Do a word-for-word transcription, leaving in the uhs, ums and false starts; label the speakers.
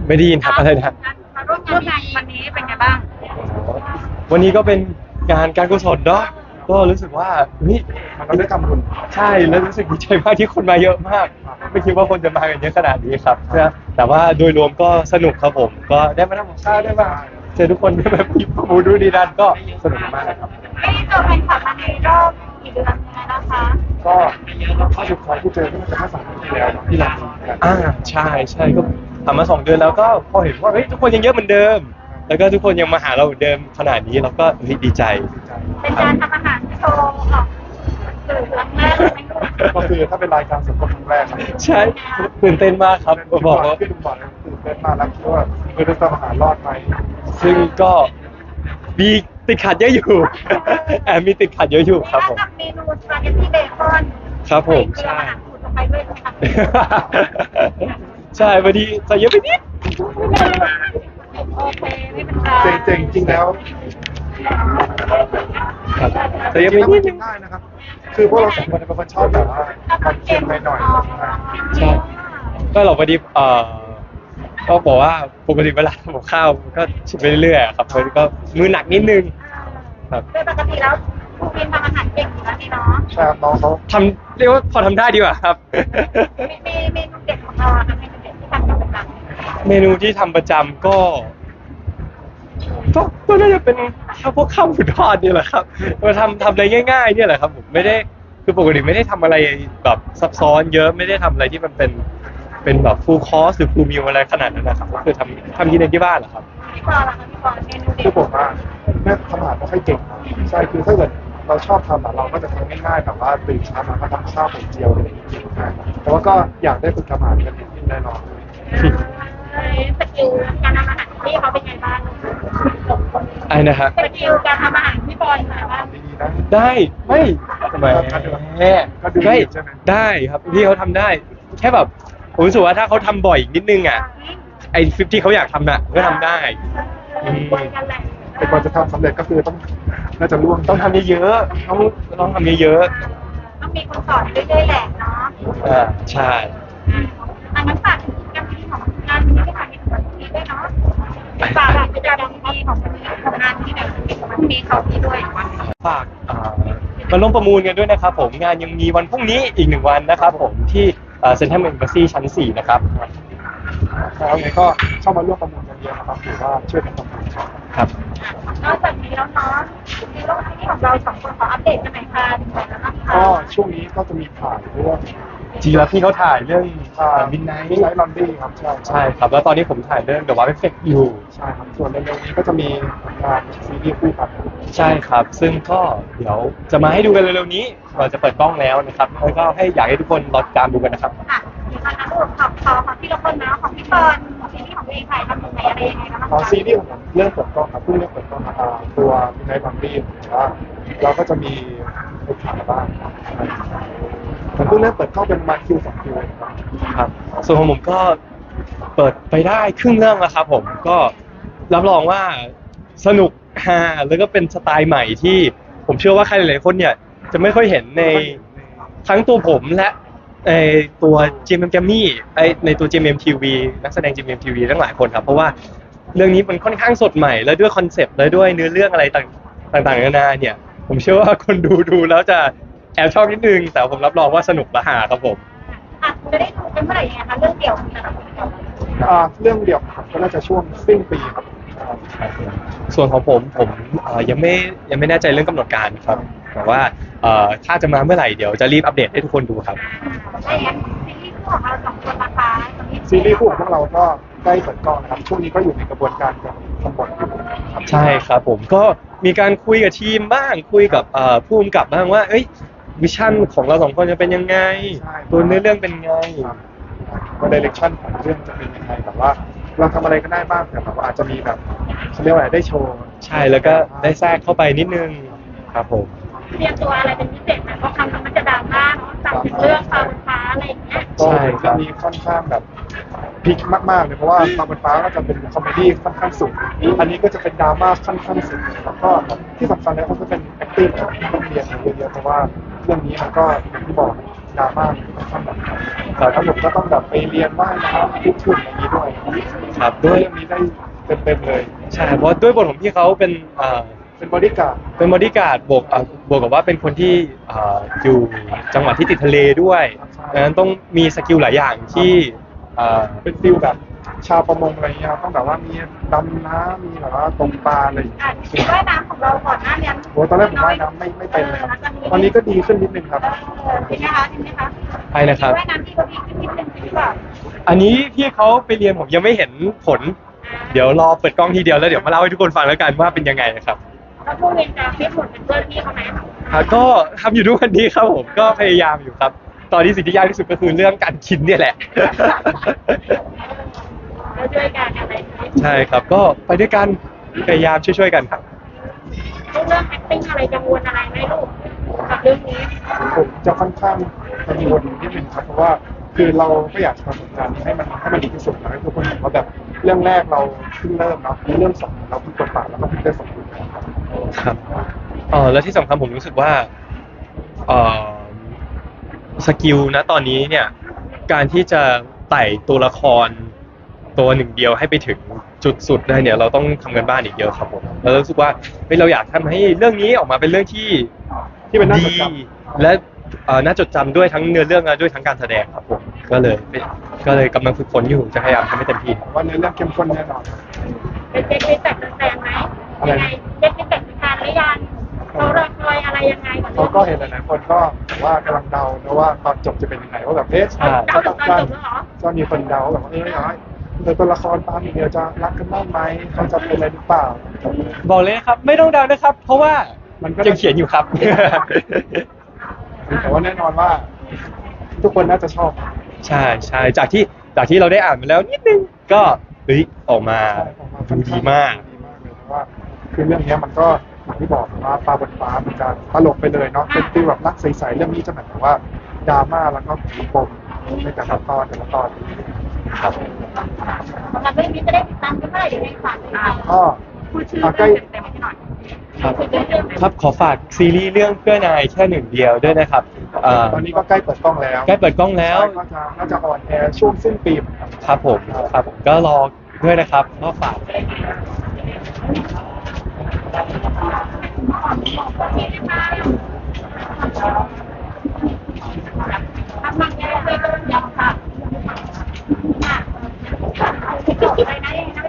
Speaker 1: ไม่ได้ยินครับอะไรนะ
Speaker 2: มาร่วมงานวันนี้เป็นไงบ้าง
Speaker 1: วันนี้ก็เป็นงานการกุศลเนาะก็รู้สึกว่าเฮ้ย
Speaker 3: มันก็ได้ทำบุญ
Speaker 1: ใช่แล้วรู้สึกดีใจมากที่คนมาเยอะมากไม่คิดว่าคนจะมากันเยอะขนาดนี้ครับแต่ว่าโดยรวมก็สนุกครับผมก็ได้มาทำกับข้าวได้มาเจอทุกคนได้แบบพิมพ์มูดูดีดันก็สนุกมากครับ
Speaker 2: ไม่ได้เจอแฟนคลับมาในรอบกี่เดือนยังไงนะคะ
Speaker 3: ก็ถ้าสุดท้ายที่เจอที่มันจะมาสามปีที่แล้วที่เรากัน
Speaker 1: อ่าใช่ใช่ก็ทำมาสองเดือนแล้วก็พอเห็นว่าเฮ้ยทุกคนยังเยอะเหมือนเดิมแล้วก็ทุกคนยังมาหาเราเหมือนเดิมขนาดนี้เราก็ดีใจ
Speaker 2: เป็นการทำอาหารโชว์ออกสื่อครั้งแรกไหม
Speaker 3: ก็คือถ้าเป็นรายการสดก็ครั้งแรกครับ
Speaker 1: ใช่ตื่นเต้นมากครับบอกว่า
Speaker 3: พี่ลุงบอกเลยตื่นเต้นมากแล้วคิดว่าเออจะทำอาหารรอดไหม
Speaker 1: ซึ่งก็มีติดขัดเยอะอยู่แอบมีติดขัดเยอะอยู่ครับผม
Speaker 2: กับเมนูสปาเกตตี้เบคอน
Speaker 1: ครับผมใช่
Speaker 2: ลงไปด้วยใช่ไหมคะ
Speaker 1: ใช่พอดีใส่เยอะไปนิด
Speaker 2: โอเคไม่เป็นไร
Speaker 3: เจ๋งๆจริงแล้ว
Speaker 1: ครับใส่เยอะไปนิดนึง
Speaker 3: ได้นะครับคือพวกเราสองคนเป็นคนชอบแบบว่าความเค็มไปหน่อย
Speaker 1: ใช่ก็เราพอดีเอ่อก็บอกว่าปกติเวลาทำกับข้าวก็ชิมไปเรื่อยๆครับมันก็มือหนักนิดนึงครับ
Speaker 2: โดยปกติแล้วคุณพิมทำอาหารเก่งอยู่แล้วนี่เนาะ
Speaker 3: ใช่ครับน้องเขา
Speaker 1: ทำเรียกว่าพอทำได้ดีกว่าครับ
Speaker 2: มีเมนูเด็ดของเราค่ะเมนูเด็ดที่ทำประจำ
Speaker 1: เมนูที่ทำประจำก็ก็ก็น่าจะเป็นข้าวพวกข้าวหมูทอดนี่แหละครับมาทำทำอะไรง่ายๆเนี่ยแหละครับผมไม่ได้คือปกติไม่ได้ทำอะไรแบบซับซ้อนเยอะไม่ได้ทำอะไรที่มันเป็นเป็นแบบฟูลคอร์สหรือฟูลมิลอะไรขนาดนั้นนะครับก็คือทำทำกินในที่บ้านเหรอครับ
Speaker 2: พี่ปอล่ะคะพี่ปอเมนูเด็ด
Speaker 3: คือผมว่าแม่ทำอาหารไม่ค่อยเก่งใช่คือถ้าเกิดเราชอบทำเราก็จะทำง่ายๆแบบว่าตื่นเช้ามาก็ทำข้าวไข่เจียวอะไรอย่างเงี้ยแต่ว่าก็อยากได้ฝึกทำอาหารกันนิดนึงแน่นอน
Speaker 2: สกิลการทำอาหารที่เขาเป็นไงบ้าง
Speaker 1: ไอ้นะฮะ
Speaker 2: สกิลการทำอาหารพี่บอลเป็นไงบ้าง
Speaker 1: ได้ไม่ทำไมแม่ไม่ได้ครับพี่เขาทำได้แค่แบบผมรู้สึกว่าถ้าเขาทำบ่อยนิดนึงอ่ะไอ้ฟิปที่เขาอยากทำน่ะก็ทำได้
Speaker 3: แต่ก่อนจะทำสำเร็จก็คือต้องน่าจะร่วม
Speaker 1: ต้องทำเยอะๆต้องต้องทำเยอะ
Speaker 2: ๆต้องมีคนสอนเรื่อยๆแหละเนาะ
Speaker 1: อ่าใช่
Speaker 2: อันนั้นฝากถึงการมีของงานนี้ที่ผ่านมาที่ด้วยเนาะฝากแบบการมีของของงานที่แบบมีเขาที่ด้วย
Speaker 1: ฝากมาร่วมประมูลกันด้วยนะครับผมงานยังมีวันพรุ่งนี้อีกหนึ่งวันนะครับผมที่เซ็นทรัลเอ็มบาซีชั้นสี่นะครับ
Speaker 3: แล้วไงก็เข้ามาร่วมประมูลกันเยอะนะครับถือว่าช่วยกันประมูล
Speaker 1: ครับ
Speaker 2: นอกจากนี้แล้วเนาะในโลกที่ของเราสองคนขออัปเดตกันหน่อยค่ะ
Speaker 3: ก็ช่วงนี้ก็จะมีถ่ายเรื่อง
Speaker 1: จริงแล้วพี่เขาถ่ายเรื่องมิดไนท์
Speaker 3: มิดไนท์ลอนดี้ครับใช่
Speaker 1: ใช่ครับแล้วตอนนี้ผมถ่ายเรื่อง The Wow Effect อยู่
Speaker 3: ใช่ครับส่วนเร็วๆนี้ก็จะมีงานซีรีส์คู่กัน
Speaker 1: ใช่ครับซึ่งก็เดี๋ยวจะมาให้ดูกันเร็วๆนี้เราจะเปิดกล้องแล้วนะครับแล้วก็ให้อยากให้ทุกคนรอติดตามดูกันนะครับ
Speaker 2: ค่ะมีคำถามของของของพี่ละคนนะของพี่เฟิร์นซีรีส์ของพี่ถ่ายทำยังไงอะไรยังไงนะคะ
Speaker 3: อ๋อซีรีส์ของผมเรื่องเปิดกล้องครับเพิ่งเรื่องเปิดกล้องมาตัวมิดไนท์ลอนดี้ว่าเราก็จะมีไปถ่ายบ้างมันเพิ่งเริ่มเปิดเข้าเป็นมาคิวสองคิว
Speaker 1: ครับส่วนของผมก็เปิดไปได้ครึ่งเรื่องแล้วครับผมก็รับรองว่าสนุกฮาแล้วก็เป็นสไตล์ใหม่ที่ผมเชื่อว่าใครหลายๆคนเนี่ยจะไม่ค่อยเห็นในทั้งตัวผมและในตัวจีเอ็มเอ็มแกมมี่ไอในตัว จี เอ็ม เอ็ม ที วี นักแสดง จี เอ็ม เอ็ม ที วี ทั้งหลายคนครับเพราะว่าเรื่องนี้มันค่อนข้างสดใหม่และด้วยคอนเซปต์และด้วยเนื้อเรื่องอะไรต่างๆนานาเนี่ยผมเชื่อว่าคนดูดูแล้วจะแอบชอบนิดนึงแต่ผมรับรองว่าสนุกและหาครับผม
Speaker 2: อ่ะจะได้ดูกันเมื่อไหร่ยังไงคะเรื่องเดี่ยว
Speaker 3: อ่าเรื่องเดี่ยวก็น่าจะช่วงสิ้นปีครับ
Speaker 1: ส่วนของผมผมยังไม่ยังไม่แน่ใจเรื่องกำหนดการครับแต่ว่าถ้าจะมาเมื่อไหร่เดี๋ยวจะรีบอัปเดตให้ทุกคนดูครับ
Speaker 2: ใช่ครับซีรีส์คู่ของเราสองคนนะคะ
Speaker 3: ซีรีส์คู่ของพวกเราก็ใกล้เปิดกล้องนะครับช่วงนี้ก็อยู่ในกระบวนการการทำบทอยู่
Speaker 1: ใช่ครับผมก็มีการคุยกับทีมบ้างคุยกับผู้กำกับบ้างว่าเอ้ยวิชั่นของเราสองคนจะเป็นยังไงตัวเนื้อเรื่องเป็นไง
Speaker 3: ว่าดิเรกชันของเรื่องจะเป็นยังไงแบบว่าเราทำอะไรก็ได้บ้างแต่แบบว่าอาจจะมีแบบเขาเรียกว่าอะไรได้โชว์
Speaker 1: ใช่แล้วก็ได้แทรกเข้าไปนิดนึงครับผม
Speaker 2: เตรียมตัวอะไรเป็นพิเศษไหมเพราะคำมันจะดราม่าเนาะจากเรื่องฟ้าบนฟ้าอะไรอย่างเงี้ย
Speaker 3: ใช่ครับมีค่อนข้างแบบพิกมากๆเลยเพราะว่าฟ้าบนฟ้าก็จะเป็นคอมเมดี้ค่อนข้างสูงอันนี้ก็จะเป็นดราม่าค่อนข้างสูงแล้วก็ที่สำคัญเลยก็จะเป็น acting ต้องเรียนเยอะๆเพราะว่าเรื่องนี้มันก็อย่างที่บอกดราม่าค่อนข้างแบบแต่ถ้าผมก็ต้องแบบไปเรียนว่ายน้ำทุกๆอย่างนี้ด้วย
Speaker 1: คครับ
Speaker 3: ด้
Speaker 1: ด้
Speaker 3: ว
Speaker 1: วย ย
Speaker 3: เรื่องนี้ได้เต็มๆเลย
Speaker 1: ใช่เพราะด้วยบทของพี่เขาเป็นเอ่อ
Speaker 3: เป็นบอดี้การ์ด
Speaker 1: เป็นบอดี้การ์ดบวกเอ่อบวกกับว่าเป็นคนที่เอ่ออยู่จังหวัดที่ติดทะเลด้วยดังนั้นต้องมีสกิลหลายอย่างที่เอ่อ
Speaker 3: เป็นฟิลแบบชาวประมงอะไรเงี้ยครับต้องแบบว่ามีดำน้ำมีแบบว่าตกปลาอะไรอย่างเงี้ย
Speaker 2: อ่ะว่ายน้ำของเราก่อนหน้านี้
Speaker 3: โหตอนแรกผมว่ายน้ำไม่ไม่เป็นเลยครับตอนนี้ก็ดีขึ้นนิดนึงครับ
Speaker 2: เออจริงไหมคะจริงไหมคะ
Speaker 1: ใช่นะครับ
Speaker 2: ว่ายน้ำที่เราดีขึ้นนิดนึงจริงหรือเปล่า
Speaker 1: อันนี้พี่เขาไปเรียนผมยังไม่เห็นผล เดี๋ยวรอเปิดกล้องทีเดียวแล้วเดี๋ยวมาเล่าให้ทุกคนฟังแล้วกันว่าเป็นยังไงนะครับ
Speaker 2: แล้วผู้เรียนจะไม่ผลเป็นเพื่อนพี่เขาไหม
Speaker 1: อ่ะก็ทำอยู่ทุกวันนี้ครับผมก็พยายามอยู่ครับ ตอนนี้สิ่งที่ยากที่สุดก็คือเรื่องการกินเนี่ยแหละ
Speaker 2: แล้วช่วยกันอะไรอย่างเงี้ย
Speaker 1: ใช่ครับก็ไปด้วยกันพยายามช่วยๆกันครับ
Speaker 2: เรื่อง acting อะไรกังวลอะไรไหมลูกกับเรื่องนี้
Speaker 3: ผมจะค่อนข้างกังวลนิดนึงครับเพราะว่าคือเราก็อยากทำผลงานนี้ให้มันให้มันดีที่สุดนะให้ทุกคนเห็นว่าแบบเรื่องแรกเราเพิ่งเริ่มเนาะเรื่องสองเราเพิ่งเปิดปากแล้วก็เพิ่งได้สมบูรณ์ครับ
Speaker 1: ครับเออแล้วที่สำคัญผมรู้สึกว่าเออสกิลนะตอนนี้เนี่ยการที่จะไต่ตัวละครตัวหนึ่งเดียวให้ไปถึงจุดสุดได้เนี่ยเราต้องทำกันบ้านอีกเยอะครับผมแล้วรู้สึกว่าเฮ้ยเราอยากทำให้เรื่องนี้ออกมาเป็นเรื่องที่
Speaker 3: ที่เป็นน่าจ
Speaker 1: ดี
Speaker 3: ดจ
Speaker 1: และเอ่อน่าจดจำด้วยทั้งเนื้อเรื่องและด้วยทั้งการแสดงครับผมก็เลยก็เลยกำลังฝึกฝนอยู่จะพยายามทำให้เต็มที่
Speaker 3: ำว่าเนื้อเรื่องเข้มข้นแน่นอนครับ
Speaker 2: เป็นเด็กเป็นแบบแฟนไหม
Speaker 3: อะไร
Speaker 2: ยังไงเด็กเป็นแบบแฟนหรือยังเขารอคอยอะไรยังไงกับ
Speaker 3: เขาก็เห็นหลายๆคนก็บอกว่ากำลังเดานะว่าตอนจบจะเป็นยังไงว่าแบบเอ๊ะ
Speaker 2: เดาถึงตอนจบแล้วเหรอ
Speaker 3: ก็มีคนเดาแบบว่าเอออย่างไรเดี๋ยวตัวละครตามอีกเดียวจะรักกันได้ไหมเขาจะเป็นอะไรหรือเปล่า
Speaker 1: บอกเลยนะครับไม่ต้องเดานะครับ เพราะว่า
Speaker 3: มันก็
Speaker 1: ยังเขียนอยู่ครับ
Speaker 3: แต่ว่าแน่นอนว่า ทุกคนน่าจะชอบ
Speaker 1: ใช่ใช่จากที่จากที่เราได้อ่านมาแล้วนิดนึงก็เฮ้ยออกมาดูดีมาก
Speaker 3: ดีมากเลยเพราะว่าคือเรื่องเนี้ยมันก็อย่างที่บอกว่าปลาบนฟ้ามันจะตลกไปเลยเนาะเป็นฟีลแบบรักใสๆเรื่องนี้จะแบบว่าดราม่าแล้วก็ผีปมในแต่ละตอนแต่ละตอน
Speaker 1: ครับ
Speaker 2: สำหรับเรื่องนี้จะได้ติดตามกันเมื่อไหร่ยังไงฝากติดตาม
Speaker 3: ก็
Speaker 2: พูดชื่อ
Speaker 3: อ่ะใกล้
Speaker 2: เต็มๆให้หน่อย
Speaker 1: ครับ
Speaker 2: ชื่อเรื่อง
Speaker 1: ครับขอฝากซีรีส์เรื่องเพื่อนายแค่หนึ่งเดียวด้วยนะครับเอ่อ
Speaker 3: ตอนนี้ก็ใกล้เปิดกล้องแล้ว
Speaker 1: ใกล้เปิดกล้องแล้ว
Speaker 3: ก็จะน่าจะออนแอร์ช่วงสิ้นปีเหมือนกัน
Speaker 1: ครับผมครับผมก็รอด้วยนะครับก็ฝาก
Speaker 2: ทำมันแย่เลยยังค่ะอะไรนะยังไงนะ